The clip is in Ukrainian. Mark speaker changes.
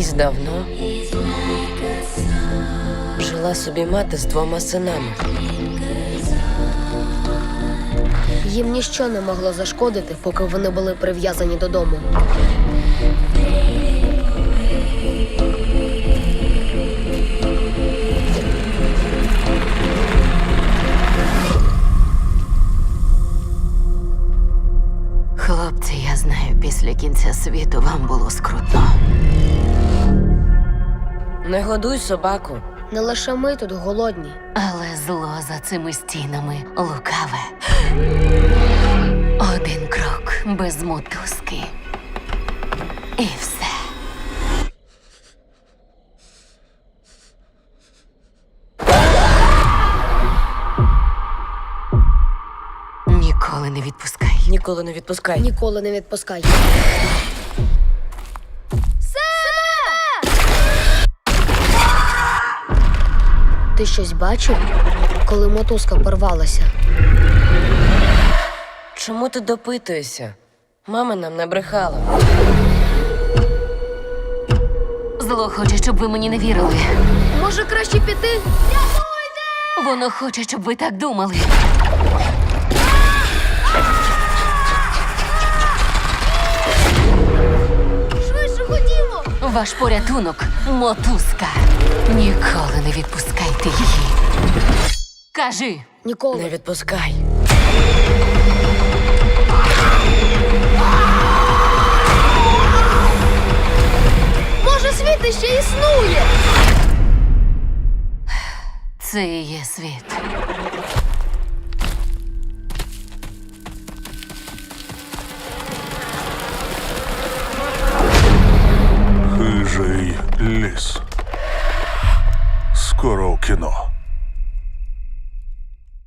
Speaker 1: Колись давно жила собі мати з 2 синами.
Speaker 2: Їм ніщо не могло зашкодити, поки вони були прив'язані додому.
Speaker 3: Хлопці, я знаю, після кінця світу вам було скрутно.
Speaker 1: Не годуй собаку.
Speaker 2: Не лише ми тут голодні.
Speaker 3: Але зло за цими стінами лукаве. Один крок без мотузки. І все. Ніколи не відпускай.
Speaker 1: Ніколи не відпускай.
Speaker 2: Ніколи не відпускай. Ти щось бачив, коли мотузка порвалася?
Speaker 1: Чому ти допитуєшся? Мама нам не брехала.
Speaker 3: Зло хоче, щоб ви мені не вірили.
Speaker 2: Може, краще піти?
Speaker 3: Воно хоче, щоб ви так думали.
Speaker 2: Швидше ходімо!
Speaker 3: Ваш порятунок – мотузка. Ніколи не відпускайте її. Кажи.
Speaker 2: Ніколи.
Speaker 1: Не відпускай.
Speaker 2: Може, світ іще існує?
Speaker 3: Це і є світ.
Speaker 4: Хижий ліс. Скоро в кіно.